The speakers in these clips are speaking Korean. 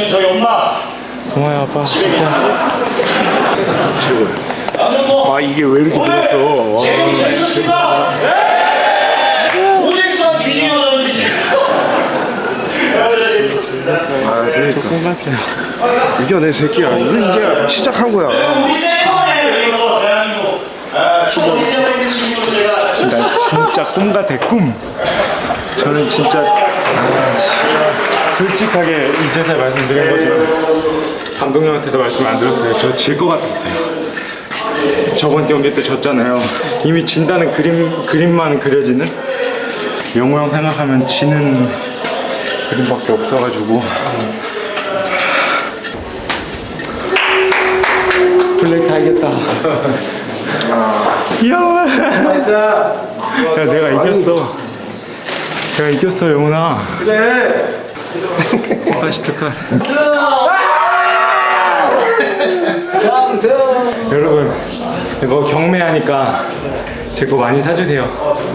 저기 없나? 고마워요 아빠 진짜 최고야. 아 이게 왜 이렇게 늘었어 재밌 잘했습니다. 오직수가 뒤지게 나오는데 아 그러니까 이겨내 새끼야. 이거 이제 시작한 거야. 우리 세컨에 이거 대한민국 키도 인정해 있는 친구로 제가 나 진짜 꿈 같아 꿈 저는 진짜 솔직하게 이제서야 말씀드린 거지만 감독님한테도 말씀 안 드렸어요. 저 질 것 같았어요. 저번 경기 때 졌잖아요. 이미 진다는 그림만 그려지는 영호 형 생각하면 지는 그림밖에 없어가지고 블랙 타이겠다. 이야 야 내가 이겼어. 내가 이겼어 영훈아. 그래 다시 특한 여러분 이거 경매하니까 제 거 많이 사주세요.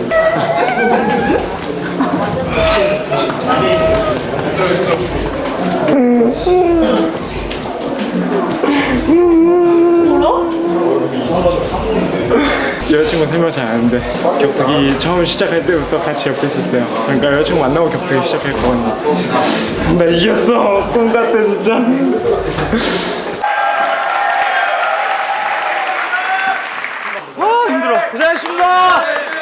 여자친구 3명 잘 아는데 격투기 처음 시작할 때부터 같이 옆에 있었어요. 그러니까 여자친구 만나고 격투기 시작했거든요. 나 이겼어. 꿈 같아 진짜. 힘들어. 고생하셨습니다.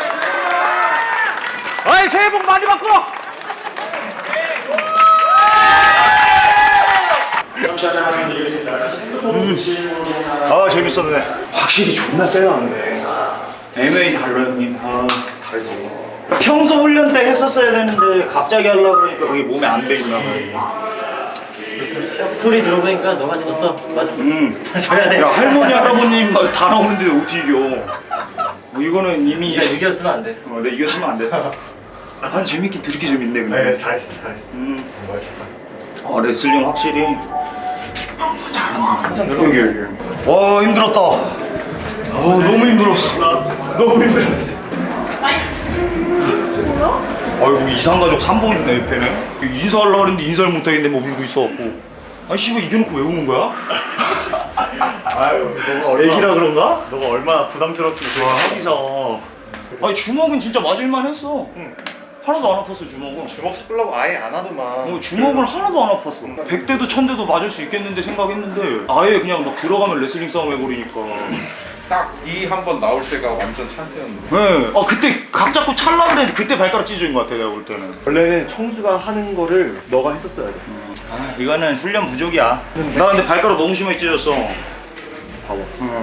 아이 새해 복 많이 받고. 감사하다는 말씀드리겠습니다. 아 재밌었네. 확실히 존나 세요. MMA 달라요 형님. 아 다르지. 평소 훈련 때 했었어야 되는데 갑자기 하려고 그러니까 그게 몸에 안 배있나 봐요. 스토리 들어보니까 너가 졌어. 맞아. 져야 돼. 야 할머니 할아버님 다 나오는데 어떻게 이겨? 뭐 이거는 이미 네가 이겼으면 안 됐어. 내가 이겼으면 안 됐다. 아 재밌긴 되게 재밌네 근데. 잘했어. 레슬링 확실히 잘한다. 여기. 와 힘들었다. 너무 힘들었어. 너무 힘들었어. 아이고 이상가족 3번 있네 옆에는. 인사하려고 했는데 인사를 못하겠네 뭐 밀고 있어갖고. 아니 씨발 이겨놓고 왜 우는 거야? 아유, 너가 얼마나 애기라 그런가? 너가 얼마나 부담스러웠으면 좋아. 하기서. 아니 주먹은 진짜 맞을만 했어. 하나도 안 아팠어 주먹은. 주먹 섞으려고 아예 안 하더만. 주먹을 하나도 안 아팠어. 100대도 1000대도 맞을 수 있겠는데 생각했는데 아예 그냥 막 들어가면 레슬링 싸움 해버리니까. 딱 이 한 번 나올 때가 완전 찬스였는데. 네. 그때 각 잡고 찰라 그랬는데 그때 발가락 찢어진 것 같아 내가 볼 때는. 원래는 청수가 하는 거를 너가 했었어야 돼. 이거는 훈련 부족이야. 나 근데 발가락 너무 심하게 찢어졌어. 봐봐.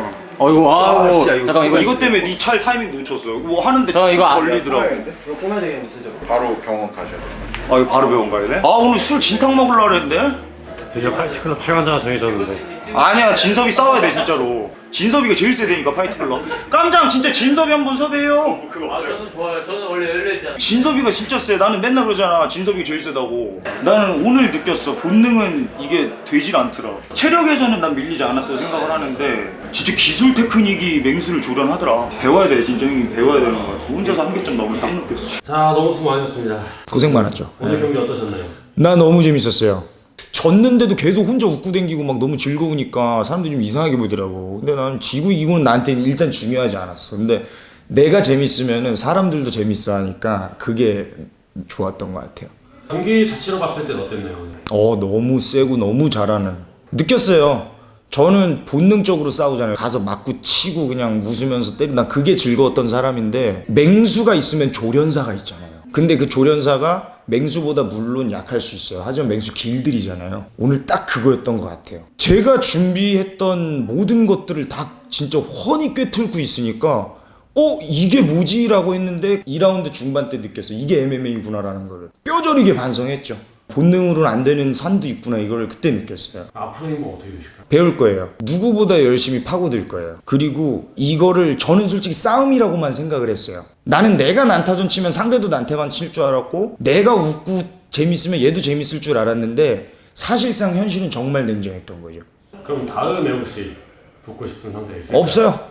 어이구 진짜 이거 잠깐 이것 때문에 네 찰 타이밍 놓쳤어. 뭐 하는데 잠깐, 이거 안- 걸리더라고. 이거 끊어야 되겠네 진짜. 바로 병원 가셔야 돼요. 이거 바로 병원 가야 돼? 오늘 술 진탕 먹으려고 그랬는데? 드디어 파이트클럽 최강자가 정해졌는데 아니야 진섭이 싸워야 돼 진짜로. 진섭이가 제일 세대니까 파이트클럽. 깜장 진짜 진섭이 한번 섭외해요. 저는 좋아요. 저는 원래 열려있잖아. 진섭이가 진짜 세. 나는 맨날 그러잖아. 진섭이가 제일 세다고. 나는 오늘 느꼈어. 본능은 이게 되질 않더라. 체력에서는 난 밀리지 않았다고 생각을 하는데 진짜 기술 테크닉이 맹수를 조련하더라. 배워야 돼. 진짜 형님 배워야 되는 거 같아. 혼자서 한계점 넘으면 딱 느꼈어. 자 너무 수고 많으셨습니다. 고생 많았죠. 오늘 경기 어떠셨나요? 나 너무 재밌었어요. 졌는데도 계속 혼자 웃고 댕기고 막 너무 즐거우니까 사람들이 좀 이상하게 보더라고. 근데 나는 지고 이고는 나한테 일단 중요하지 않았어. 근데 내가 재밌으면은 사람들도 재밌어 하니까 그게 좋았던 것 같아요. 경기 자체로 봤을 땐 어땠나요 오늘? 너무 세고 너무 잘하는 느꼈어요. 저는 본능적으로 싸우잖아요. 가서 맞고 치고 그냥 웃으면서 때리고 난 그게 즐거웠던 사람인데 맹수가 있으면 조련사가 있잖아요. 근데 그 조련사가 맹수보다 물론 약할 수 있어요. 하지만 맹수 길들이잖아요. 오늘 딱 그거였던 것 같아요. 제가 준비했던 모든 것들을 다 진짜 훤히 꿰뚫고 있으니까 이게 뭐지? 라고 했는데 2라운드 중반 때 느꼈어요. 이게 MMA구나라는 걸 뼈저리게 반성했죠. 본능으로는 안 되는 산도 있구나 이걸 그때 느꼈어요. 앞으로의 뭐 어떻게 되실까요? 배울 거예요. 누구보다 열심히 파고들 거예요. 그리고 이거를 저는 솔직히 싸움이라고만 생각을 했어요. 나는 내가 난타전 치면 상대도 난타전 칠 줄 알았고 내가 웃고 재밌으면 얘도 재밌을 줄 알았는데 사실상 현실은 정말 냉정했던 거죠. 그럼 다음에 혹시 붙고 싶은 상대 있을까요? 없어요.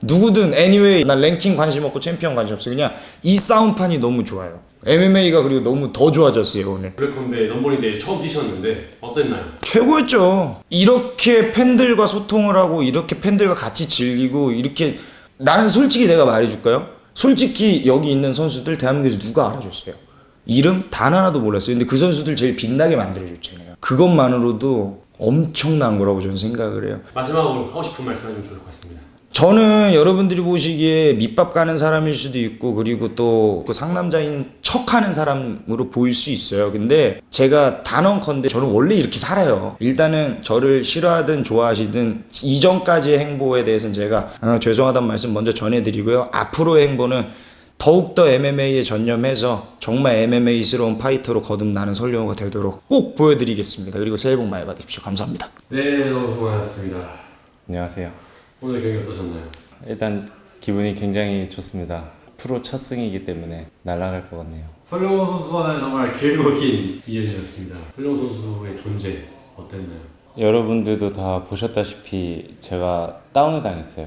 누구든 anyway 난 랭킹 관심 없고 챔피언 관심 없어. 그냥 이 싸움판이 너무 좋아요. MMA가 그리고 너무 더 좋아졌어요 오늘. 블랙컴배 넘버링데이 처음 뛰셨는데 어땠나요? 최고였죠. 이렇게 팬들과 소통을 하고 이렇게 팬들과 같이 즐기고 이렇게 나는 솔직히 내가 말해줄까요? 솔직히 여기 있는 선수들 대한민국에서 누가 알아줬어요? 이름 단 하나도 몰랐어요. 근데 그 선수들 제일 빛나게 만들어줬잖아요. 그것만으로도 엄청난 거라고 저는 생각을 해요. 마지막으로 하고 싶은 말씀 해주면 좋을 것 같습니다. 저는 여러분들이 보시기에 밑밥 가는 사람일 수도 있고 그리고 또 그 상남자인 척하는 사람으로 보일 수 있어요. 근데 제가 단언컨대 저는 원래 이렇게 살아요. 일단은 저를 싫어하든 좋아하시든 이전까지의 행보에 대해서는 제가 죄송하다는 말씀 먼저 전해드리고요. 앞으로의 행보는 더욱더 MMA에 전념해서 정말 MMA스러운 파이터로 거듭나는 설령호가 되도록 꼭 보여드리겠습니다. 그리고 새해 복 많이 받으십시오. 감사합니다. 네, 너무 수고 많았습니다. 안녕하세요. 오늘 경기 어떠셨나요? 일단 기분이 굉장히 좋습니다. 프로 첫 승이기 때문에 날아갈 것 같네요. 설령호 선수와는 정말 길고 긴 이야기였습니다. 설령호 선수의 존재 어땠나요? 여러분들도 다 보셨다시피 제가 다운을 당했어요.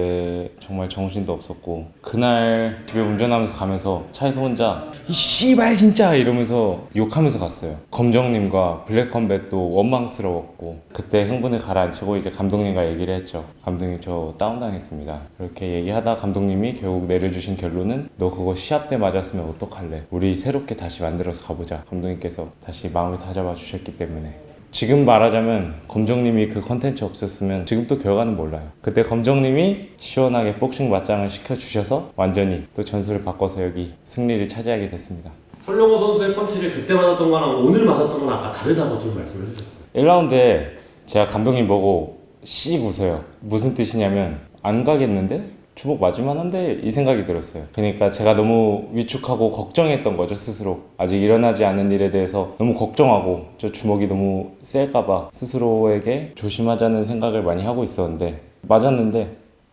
그때 정말 정신도 없었고 그날 집에 운전하면서 가면서 차에서 혼자 이 씨발 진짜 이러면서 욕하면서 갔어요. 검정님과 블랙컴뱃도 원망스러웠고 그때 흥분을 가라앉히고 이제 감독님과 얘기를 했죠. 감독님 저 다운 당했습니다. 그렇게 얘기하다 감독님이 결국 내려주신 결론은 너 그거 시합 때 맞았으면 어떡할래? 우리 새롭게 다시 만들어서 가보자. 감독님께서 다시 마음을 다잡아 주셨기 때문에 지금 말하자면 검정님이 그 컨텐츠 없었으면 지금 또 결과는 몰라요. 그때 검정님이 시원하게 복싱 맞짱을 시켜주셔서 완전히 또 전술을 바꿔서 여기 승리를 차지하게 됐습니다. 설령호 선수의 펀치를 그때 맞았던 거랑 오늘 맞았던 거랑 아까 다르다고 좀 말씀을 해주셨어요. 1라운드에 제가 감독님 보고 씩 웃어요. 무슨 뜻이냐면 안 가겠는데? 주먹 맞을만 한데? 이 생각이 들었어요. 그러니까 제가 너무 위축하고 걱정했던 거죠 스스로. 아직 일어나지 않은 일에 대해서 너무 걱정하고 저 주먹이 너무 셀까봐 스스로에게 조심하자는 생각을 많이 하고 있었는데 맞았는데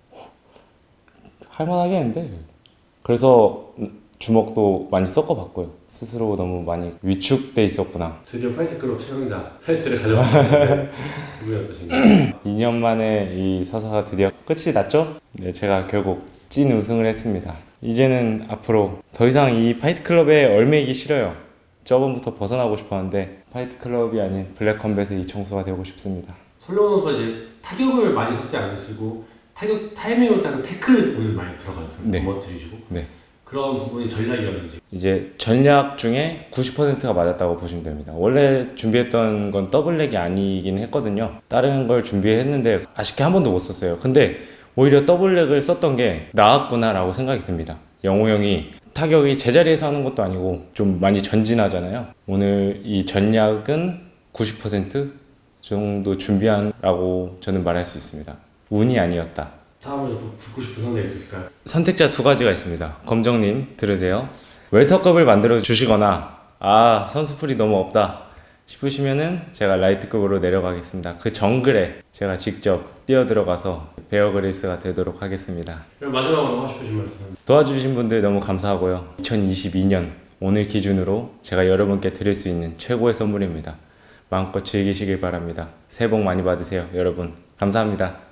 할만하겠는데? 그래서 주먹도 많이 섞어봤고요. 스스로 너무 많이 위축돼 있었구나. 드디어 파이트클럽 최강자 타이틀을 가져왔는데 기분이 어떠신가요? 2년 만에 이 서사가 드디어 끝이 났죠? 네, 제가 결국 찐 우승을 했습니다. 이제는 앞으로 더 이상 이 파이트클럽에 얽매이기 싫어요. 저번부터 벗어나고 싶었는데 파이트클럽이 아닌 블랙컴뱃의 이청수가 되고 싶습니다. 설령호 선수가 이제 타격을 많이 섞지 않으시고 타격 타이밍을 따서 태클을 많이 들어가서 네. 넘어뜨리시고 네. 그런 부분이 전략이라든지 이제 전략 중에 90%가 맞았다고 보시면 됩니다. 원래 준비했던 건 더블렉이 아니긴 했거든요. 다른 걸 준비했는데 아쉽게 한 번도 못 썼어요. 근데 오히려 더블렉을 썼던 게 나았구나 라고 생각이 듭니다. 영호 형이 타격이 제자리에서 하는 것도 아니고 좀 많이 전진하잖아요. 오늘 이 전략은 90% 정도 준비한라고 저는 말할 수 있습니다. 운이 아니었다. 다음으로 붙고 싶은 상대 있으실까요? 선택자 두 가지가 있습니다. 검정님 들으세요. 웰터급을 만들어 주시거나 아 선수풀이 너무 없다 싶으시면은 제가 라이트급으로 내려가겠습니다. 그 정글에 제가 직접 뛰어 들어가서 베어 그릴스가 되도록 하겠습니다. 그럼 마지막으로 하고 싶으신 말씀. 도와주신 분들 너무 감사하고요. 2022년 오늘 기준으로 제가 여러분께 드릴 수 있는 최고의 선물입니다. 마음껏 즐기시길 바랍니다. 새해 복 많이 받으세요 여러분. 감사합니다.